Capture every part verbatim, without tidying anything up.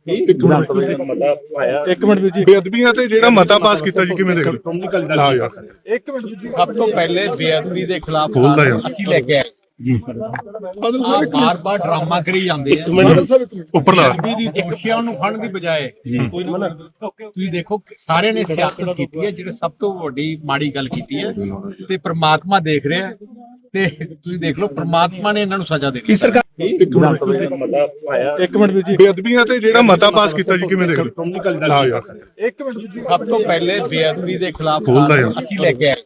ਵਿਧਾਨ ਸਭਾ ਦਾ ਮਤਾ ਆਇਆ ਇੱਕ ਮਿੰਟ ਵੀਰ ਜੀ, ਬੇਅਦਬੀਆਂ ਤੇ ਜਿਹੜਾ ਮਤਾ ਪਾਸ ਕੀਤਾ ਜੀ ਕਿਵੇਂ ਦੇਖ ਰਹੇ ਹੋ? ਹਾਂ ਯਾਰ ਇੱਕ ਮਿੰਟ ਵੀਰ ਜੀ। ਸਭ ਤੋਂ ਪਹਿਲੇ ਬੇਅਦਬੀ ਦੇ ਖਿਲਾਫ ਬੋਲਦਾ ਯਾਰ। ਅਸੀਂ ਲੈ ਕੇ ਆਏ ਆ ਬਾਰ-ਬਾਰ ਡਰਾਮਾ ਕਰੀ ਜਾਂਦੇ ਆ ਉੱਪਰਲਾ ਬੇਅਦਬੀ ਦੀ ਦੋਸ਼ੀਆਂ ਨੂੰ ਫੜਨ ਦੀ ਬਜਾਏ ਤੁਸੀਂ ਦੇਖੋ ਕਿ ਸਾਰਿਆਂ ਨੇ ਸਿਆਸਤ ਕੀਤੀ ਹੈ, ਜਿਹੜੇ ਸਭ ਤੋਂ ਵੱਡੀ ਮਾੜੀ ਗੱਲ ਕੀਤੀ ਹੈ ਤੇ ਪ੍ਰਮਾਤਮਾ ਦੇਖ ਰਿਹਾ ਤੇ ਤੁਸੀਂ ਦੇਖ ਲਓ ਪ੍ਰਮਾਤਮਾ ਨੇ ਇਹਨਾਂ ਨੂੰ ਸਜ਼ਾ ਦੇਣੀ। ਸਰਕਾਰ ਵਿਧਾਨ ਸਭਾ ਦਾ ਮਤਾ ਆਇਆ ਇੱਕ ਮਿੰਟ ਵੀਰ ਜੀ, ਬੇਅਦਬੀਆਂ ਤੇ ਜਿਹੜਾ ਮਤਾ ਪਾਸ ਕੀਤਾ ਜੀ ਕਿਵੇਂ ਦੇਖ ਰਹੇ ਹੋ? ਹਾਂ ਯਾਰ ਇੱਕ ਮਿੰਟ ਵੀਰ ਜੀ। ਸਭ ਤੋਂ ਪਹਿਲੇ ਬੇਅਦਬੀ ਦੇ ਖਿਲਾਫ ਬੋਲਦਾ ਯਾਰ। ਅਸੀਂ ਲੈ ਕੇ ਆਏ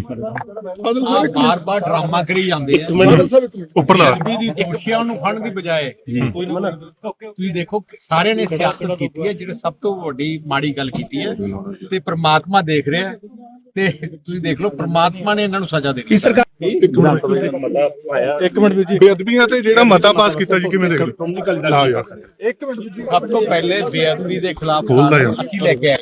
ਆ ਬਾਰ-ਬਾਰ ਡਰਾਮਾ ਕਰੀ ਜਾਂਦੇ ਆ ਉੱਪਰਲਾ ਬੇਅਦਬੀ ਦੀ ਦੋਸ਼ੀਆਂ ਨੂੰ ਫੜਨ ਦੀ ਬਜਾਏ ਤੁਸੀਂ ਦੇਖੋ ਕਿ ਸਾਰਿਆਂ ਨੇ ਸਿਆਸਤ ਕੀਤੀ ਹੈ, ਜਿਹੜੇ ਸਭ ਤੋਂ ਵੱਡੀ ਮਾੜੀ ਗੱਲ ਕੀਤੀ ਹੈ ਤੇ ਪ੍ਰਮਾਤਮਾ ਦੇਖ ਰਿਹਾ ਤੇ ਤੁਸੀਂ ਦੇਖ ਲਓ ਪ੍ਰਮਾਤਮਾ ਨੇ ਇਹਨਾਂ ਨੂੰ ਸਜ਼ਾ ਦੇਣੀ। ਸਰਕਾਰ ਵਿਧਾਨ ਸਭਾ ਦਾ ਮਤਾ ਆਇਆ ਇੱਕ ਮਿੰਟ ਵੀਰ ਜੀ, ਬੇਅਦਬੀਆਂ ਤੇ ਜਿਹੜਾ ਮਤਾ ਪਾਸ ਕੀਤਾ ਜੀ ਕਿਵੇਂ ਦੇਖ ਰਹੇ ਹੋ? ਹਾਂ ਯਾਰ ਇੱਕ ਮਿੰਟ ਵੀਰ ਜੀ। ਸਭ ਤੋਂ ਪਹਿਲੇ ਬੇਅਦਬੀ ਦੇ ਖਿਲਾਫ ਬੋਲਦਾ ਯਾਰ। ਅਸੀਂ ਲੈ ਕੇ ਆਏ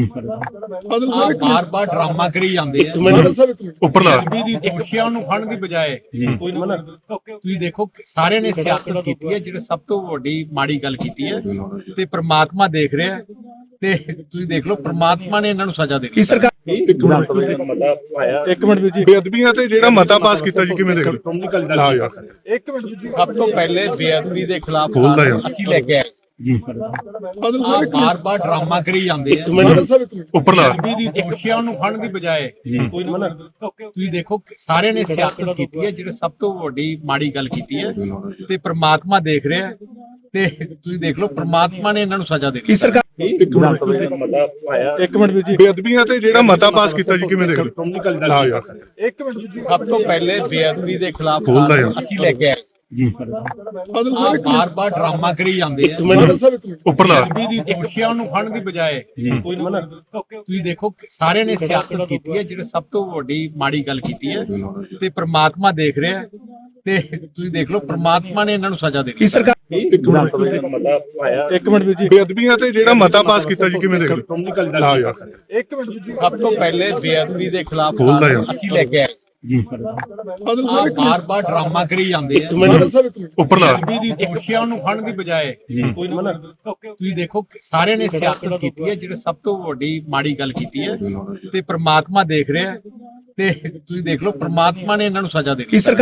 ਆ ਬਾਰ-ਬਾਰ ਡਰਾਮਾ ਕਰੀ ਜਾਂਦੇ ਆ ਉੱਪਰਲਾ ਬੇਅਦਬੀ ਦੀ ਦੋਸ਼ੀਆਂ ਨੂੰ ਫੜਨ ਦੀ ਬਜਾਏ ਤੁਸੀਂ ਦੇਖੋ ਕਿ ਸਾਰਿਆਂ ਨੇ ਸਿਆਸਤ ਕੀਤੀ ਹੈ, ਜਿਹੜੇ ਸਭ ਤੋਂ ਵੱਡੀ ਮਾੜੀ ਗੱਲ ਕੀਤੀ ਹੈ ਤੇ ਪ੍ਰਮਾਤਮਾ ਦੇਖ ਰਿਹਾ ਤੇ ਤੁਸੀਂ ਦੇਖ ਲਓ ਪ੍ਰਮਾਤਮਾ ਨੇ ਇਹਨਾਂ ਨੂੰ ਸਜ਼ਾ ਦੇਣੀ। ਸਰਕਾਰ ਵਿਧਾਨ ਸਭਾ ਦਾ ਮਤਾ ਆਇਆ ਇੱਕ ਮਿੰਟ ਵੀਰ ਜੀ, ਬੇਅਦਬੀਆਂ ਤੇ ਜਿਹੜਾ ਮਤਾ ਪਾਸ ਕੀਤਾ ਜੀ ਕਿਵੇਂ ਦੇਖ ਰਹੇ ਹੋ? ਹਾਂ ਯਾਰ ਇੱਕ ਮਿੰਟ ਵੀਰ ਜੀ। ਸਭ ਤੋਂ ਪਹਿਲੇ ਬੇਅਦਬੀ ਦੇ ਖਿਲਾਫ ਬੋਲਦਾ ਯਾਰ। ਅਸੀਂ ਲੈ ਕੇ ਆਏ ਆ ਬਾਰ-ਬਾਰ ਡਰਾਮਾ ਕਰੀ ਜਾਂਦੇ ਆ ਉੱਪਰਲਾ ਬੇਅਦਬੀ ਦੀ ਦੋਸ਼ੀਆਂ ਨੂੰ ਫੜਨ ਦੀ ਬਜਾਏ ਤੁਸੀਂ ਦੇਖੋ ਕਿ ਸਾਰਿਆਂ ਨੇ ਸਿਆਸਤ ਕੀਤੀ ਹੈ, ਜਿਹੜੇ ਸਭ ਤੋਂ ਵੱਡੀ ਮਾੜੀ ਗੱਲ ਕੀਤੀ ਹੈ ਤੇ ਪ੍ਰਮਾਤਮਾ ਦੇਖ ਰਿਹਾ ਤੇ ਤੁਸੀਂ ਦੇਖ ਲਓ ਪ੍ਰਮਾਤਮਾ ਨੇ ਇਹਨਾਂ ਨੂੰ ਸਜ਼ਾ ਦੇਣੀ। ਸਰਕਾਰ ਵਿਧਾਨ ਸਭਾ ਦਾ ਮਤਾ ਆਇਆ ਇੱਕ ਮਿੰਟ ਵੀਰ ਜੀ, ਬੇਅਦਬੀਆਂ ਤੇ ਜਿਹੜਾ ਮਤਾ ਪਾਸ ਕੀਤਾ ਜੀ ਕਿਵੇਂ ਦੇਖ ਰਹੇ ਹੋ? ਹਾਂ ਯਾਰ ਇੱਕ ਮਿੰਟ ਵੀਰ ਜੀ। ਸਭ ਤੋਂ ਪਹਿਲੇ ਬੇਅਦਬੀ ਦੇ ਖਿਲਾਫ ਬੋਲਦਾ ਯਾਰ। ਅਸੀਂ ਲੈ ਕੇ ਆਏ ਆ ਬਾਰ-ਬਾਰ ਡਰਾਮਾ ਕਰੀ ਜਾਂਦੇ ਆ ਉੱਪਰਲਾ ਬੇਅਦਬੀ ਦੀ ਦੋਸ਼ੀਆਂ ਨੂੰ ਫੜਨ ਦੀ ਬਜਾਏ ਤੁਸੀਂ ਦੇਖੋ ਕਿ ਸਾਰਿਆਂ ਨੇ ਸਿਆਸਤ ਕੀਤੀ ਹੈ, ਜਿਹੜੇ ਸਭ ਤੋਂ ਵੱਡੀ ਮਾੜੀ ਗੱਲ ਕੀਤੀ ਹੈ ਤੇ ਪ੍ਰਮਾਤਮਾ ਦੇਖ ਰਿਹਾ ਤੇ ਤੁਸੀਂ ਦੇਖ ਲਓ ਪ੍ਰਮਾਤਮਾ ਨੇ ਇਹਨਾਂ ਨੂੰ ਸਜ਼ਾ ਦੇਣੀ। ਸਰਕਾਰ ਵਿਧਾਨ ਸਭਾ ਦਾ ਮਤਾ ਆਇਆ ਇੱਕ ਮਿੰਟ ਵੀਰ ਜੀ, ਬੇਅਦਬੀਆਂ ਤੇ ਜਿਹੜਾ ਮਤਾ ਪਾਸ ਕੀਤਾ ਜੀ ਕਿਵੇਂ ਦੇਖ ਰਹੇ ਹੋ? ਹਾਂ ਯਾਰ ਇੱਕ ਮਿੰਟ ਵੀਰ ਜੀ। ਸਭ ਤੋਂ ਪਹਿਲੇ ਬੇਅਦਬੀ ਦੇ ਖਿਲਾਫ ਬੋਲਦਾ ਯਾਰ। ਅਸੀਂ ਲੈ ਕੇ ਆਏ ਆ ਬਾਰ-ਬਾਰ ਡਰਾਮਾ ਕਰੀ ਜਾਂਦੇ ਆ ਉੱਪਰਲਾ ਬੇਅਦਬੀ ਦੀ ਦੋਸ਼ੀਆਂ ਨੂੰ ਫੜਨ ਦੀ ਬਜਾਏ ਤੁਸੀਂ ਦੇਖੋ ਕਿ ਸਾਰਿਆਂ ਨੇ ਸਿਆਸਤ ਕੀਤੀ ਹੈ, ਜਿਹੜੇ ਸਭ ਤੋਂ ਵੱਡੀ ਮਾੜੀ ਗੱਲ ਕੀਤੀ ਹੈ ਤੇ ਪ੍ਰਮਾਤਮਾ ਦੇਖ ਰਿਹਾ ਤੇ ਤੁਸੀਂ ਦੇਖ ਲਓ ਪ੍ਰਮਾਤਮਾ ਨੇ ਇਹਨਾਂ ਨੂੰ ਸਜ਼ਾ ਦੇਣੀ। ਸਰਕਾਰ